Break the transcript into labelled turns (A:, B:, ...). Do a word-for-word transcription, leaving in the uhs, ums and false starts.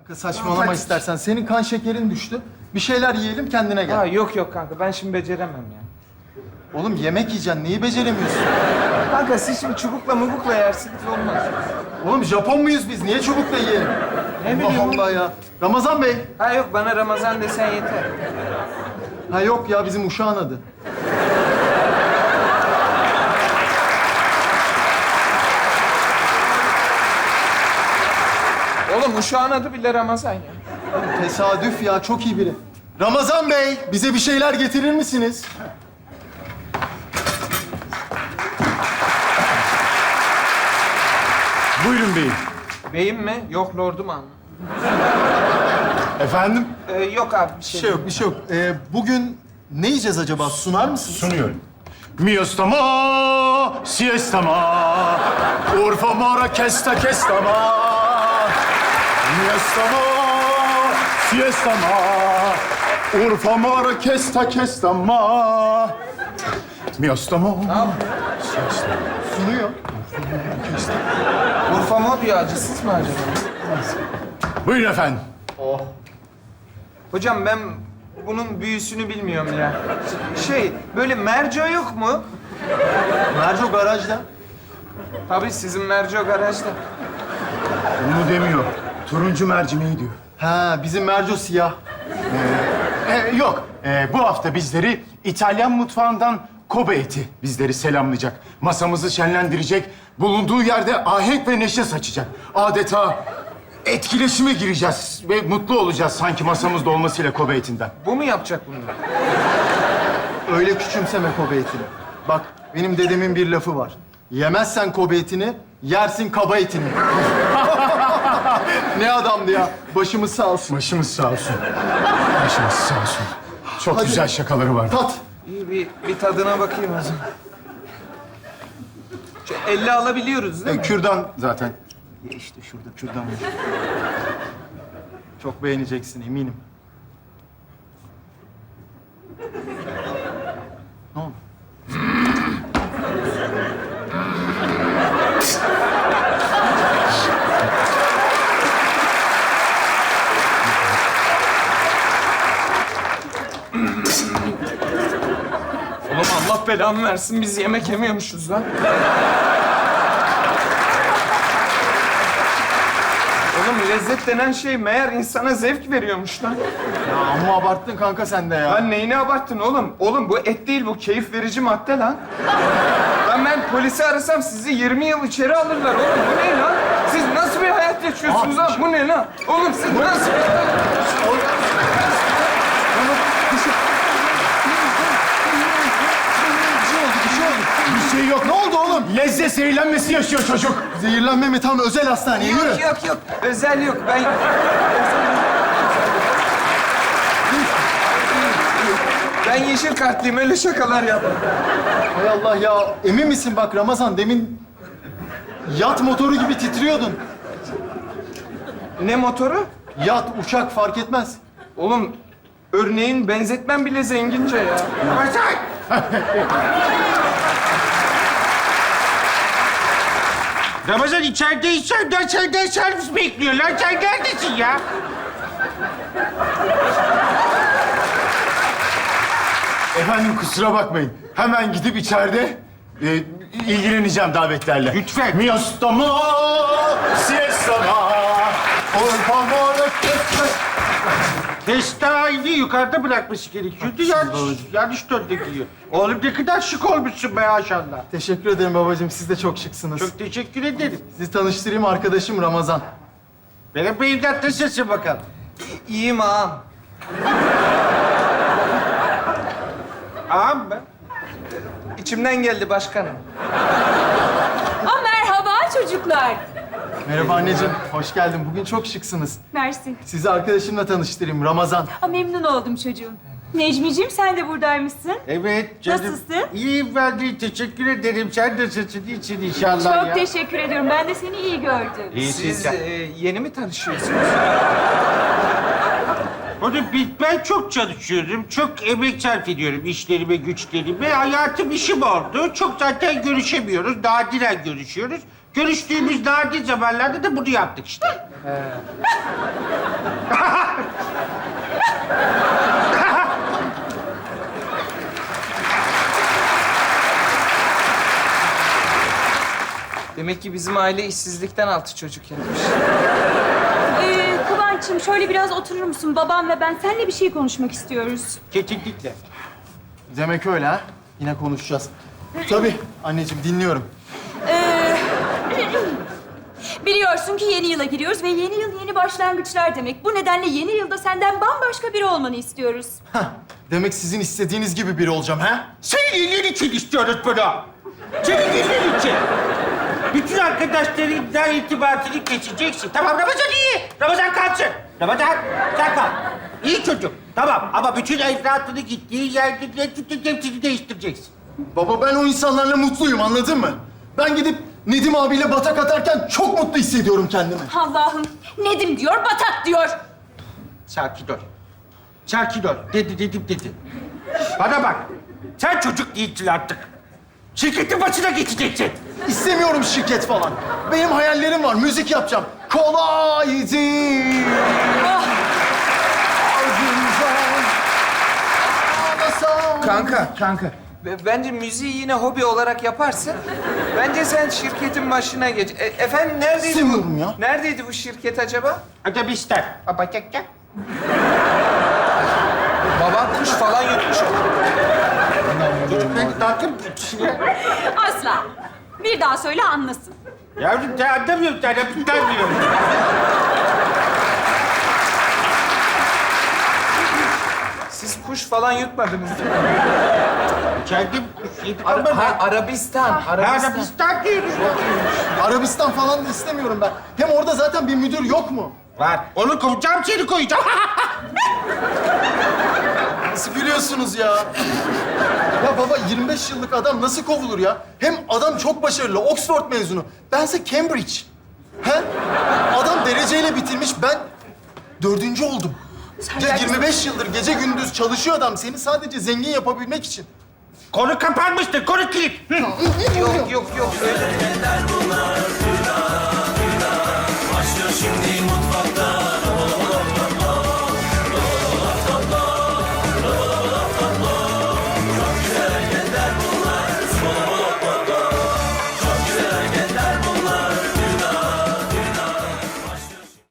A: Saçmalama
B: Hadi.
A: istersen. Senin kan şekerin düştü. Bir şeyler yiyelim kendine gel.
B: Ha, yok yok kanka ben şimdi beceremem ya.
A: Oğlum yemek yiyeceksin. Neyi beceremiyorsun?
B: Kanka siz şimdi çubukla mubukla yersiniz olmaz.
A: Oğlum Japon muyuz biz? Niye çubukla yiyelim?
B: Ne bileyim
A: Allah Allah ya. Ramazan Bey.
B: Ha yok bana Ramazan desen yeter.
A: Ha yok ya bizim uşağın adı.
B: Oğlum uşağın adı bile Ramazan ya.
A: Tesadüf ya. Çok iyi biri. Ramazan Bey. Bize bir şeyler getirir misiniz?
C: Buyurun beyim.
B: Beyim mi? Yok lordum ama.
C: Efendim?
B: Ee, yok abi bir
A: Bir
B: şey.
A: şey yok, bir şey yok. Ee, bugün ne yiyeceğiz acaba? Sunar mısınız?
C: Sunuyorum. Miostama, siestama, Urfa mara kesta kestama. Miostama, siestama, Urfa mara kesta kestama. Miostama, siestama.
A: Sunuyor.
B: Urfa mı diyor acısız mı acaba?
C: Buyurun efendim.
A: Oh.
B: Hocam ben bunun büyüsünü bilmiyorum ya. Şey böyle merco yok mu?
A: Merco garajda.
B: Tabii sizin merco garajda.
C: Onu demiyor. Turuncu mercimeği diyor.
A: Ha bizim Merco siyah.
C: Ee, yok. Ee, bu hafta bizleri İtalyan mutfağından Kobe eti bizleri selamlayacak. Masamızı şenlendirecek. Bulunduğu yerde ahenk ve neşe saçacak. Adeta etkileşime gireceğiz ve mutlu olacağız sanki masamızda olmasıyla Kobe etinden.
B: Bu mu yapacak bunu?
A: Öyle küçümseme Kobe etini. Bak benim dedemin bir lafı var. Yemezsen Kobe etini, yersin kaba etini. Ne adamdı ya. Başımız sağ olsun.
C: Başımız sağ olsun. Başımız sağ olsun. Çok
A: Hadi.
C: güzel şakaları var.
A: Tat.
B: İyi bir, bir tadına bakayım o zaman. Şu elle alabiliyoruz değil
C: Ee,
B: mi?
C: kürdan zaten.
A: Ya işte şurada kürdan var. Çok beğeneceksin eminim. Ne oldu?
B: Oğlum Allah belamı versin biz yemek yemiyormuşuz lan. Oğlum lezzet denen şey meğer insana zevk veriyormuş lan.
A: Ya amma abarttın kanka sen de ya.
B: Lan neyini abarttın oğlum? Oğlum bu et değil bu keyif verici madde lan. Lan ben polisi arasam sizi yirmi yıl içeri alırlar oğlum. Bu ne lan? Siz nasıl bir hayat yaşıyorsunuz lan? Bu ne lan? Oğlum siz nasıl bir hayat yaşıyorsunuz?
A: Bir şey oldu, bir şey oldu.
C: Bir şey yok.
A: Ne oldu oğlum?
C: Lezzet zehirlenmesi yaşıyor çocuk.
A: Zehirlenme mi? Tam özel hastaneye yürü.
B: Yok yok yok. Özel yok. Ben... Ben yeşil kartlıyım. Öyle şakalar yapma.
A: Hay Allah ya. Emin misin bak Ramazan demin yat motoru gibi titriyordun.
B: Ne motoru?
A: Yat, uçak fark etmez.
B: Oğlum örneğin benzetmem bile zengince ya.
D: Ramazan içeride içeride senden servis bekliyorlar. Sen neredesin ya?
C: Efendim kusura bakmayın. Hemen gidip içeride e, ilgileneceğim davetlerle.
D: Lütfen.
C: Miostama, siestama, Urfa mara kesta.
D: Testayı yukarıda bırakması gerekiyordu. Yanlış, yanlış döndü. Oğlum ne kadar şık olmuşsun be maşallah.
A: Teşekkür ederim babacığım. Siz de çok şıksınız.
D: Çok teşekkür ederim.
A: Sizi tanıştırayım arkadaşım Ramazan.
D: Benim beyimden nasılsın bakalım?
B: İyiyim ağam.
D: Ağam ben.
B: İçimden geldi başkanım.
E: Aa, merhaba çocuklar.
A: Merhaba anneciğim. Hoş geldin. Bugün çok şıksınız.
E: Mersi.
A: Sizi arkadaşımla tanıştırayım Ramazan.
E: Aa, memnun oldum çocuğum. Necmiciğim sen de buradaymışsın.
D: Evet canım.
E: Nasılsın?
D: İyiyim ben de teşekkür ederim. Sen nasılsın? İyisin inşallah
E: Çok
D: ya.
E: teşekkür ediyorum. Ben de seni iyi gördüm.
D: İyisin
B: Siz
D: sen.
B: e, yeni mi tanışıyorsunuz?
D: Oğlum ben çok çalışıyorum. Çok emek sarf ediyorum işlerime, güçlerime. Hayatım işim oldu. Çok zaten görüşemiyoruz. Nadiren görüşüyoruz. Görüştüğümüz nadir zamanlarda da bunu yaptık işte.
B: Demek ki bizim aile işsizlikten altı çocuk yapmış.
E: Ee, Kıvanç'ım şöyle biraz oturur musun? Babam ve ben seninle bir şey konuşmak istiyoruz.
D: Kesinlikle.
A: Demek öyle ha? Yine konuşacağız. Tabii anneciğim dinliyorum.
E: Ee, biliyorsun ki yeni yıla giriyoruz ve yeni yıl yeni başlangıçlar demek. Bu nedenle yeni yılda senden bambaşka biri olmanı istiyoruz.
A: Hah, demek sizin istediğiniz gibi biri olacağım ha?
D: Senin iyiliğin için istiyoruz bunu. Senin iyiliğin için. Bütün arkadaşlarından irtibatını keseceksin. Tamam, Ramazan iyi. Ramazan kalsın. Ramazan, sen kal. İyi çocuk. Tamam ama bütün evlatını gittiği yerde hepsini değiştireceksin.
A: Baba ben o insanlarla mutluyum anladın mı? Ben gidip Nedim abiyle batak atarken çok mutlu hissediyorum kendimi.
E: Allah'ım, Nedim diyor, Batak diyor.
D: Sakin ol. Sakin ol. Dedi, dedim, dedi. Bana bak. Sen çocuk değilsin artık. Şirketin başına geçeceksin.
A: İstemiyorum şirket falan. Benim hayallerim var. Müzik yapacağım. Kolaydı.
E: Oh,
B: Kanka, kanka. Be- Bence müziği yine hobi olarak yaparsın. Bence sen şirketin başına geç. E, efendim neredeydi bu?
A: İstemiyorum ya.
B: Neredeydi bu şirket acaba?
D: Otobüsten. Abacakça.
B: Baban kuş falan yutmuş o.
D: Çocuk beni takip
E: asla. Bir daha söyle anlasın.
D: Yavrum sen anlamıyorsun, sen hepsinden biliyorum.
B: Siz kuş falan yutmadınız değil mi?
D: Kendim yedim
B: Ara-
D: ama
B: ha,
D: ben...
B: Arabistan, Arabistan.
D: Arabistan diyoruz.
A: Arabistan falan da istemiyorum ben. Hem orada zaten bir müdür yok mu?
D: Var. Onu kovacağım, seni koyacağım.
A: Nasıl gülüyorsunuz ya? Ya baba yirmi beş yıllık adam nasıl kovulur ya? Hem adam çok başarılı, Oxford mezunu. Bense Cambridge. He? Adam dereceyle bitirmiş, ben dördüncü oldum. Ya yirmi beş yıldır gece gündüz çalışıyor adam seni sadece zengin yapabilmek için.
D: Konu kapanmıştır, konu kilit. Hı.
B: Yok, yok, yok. Öyle.
F: Başlıyor şimdi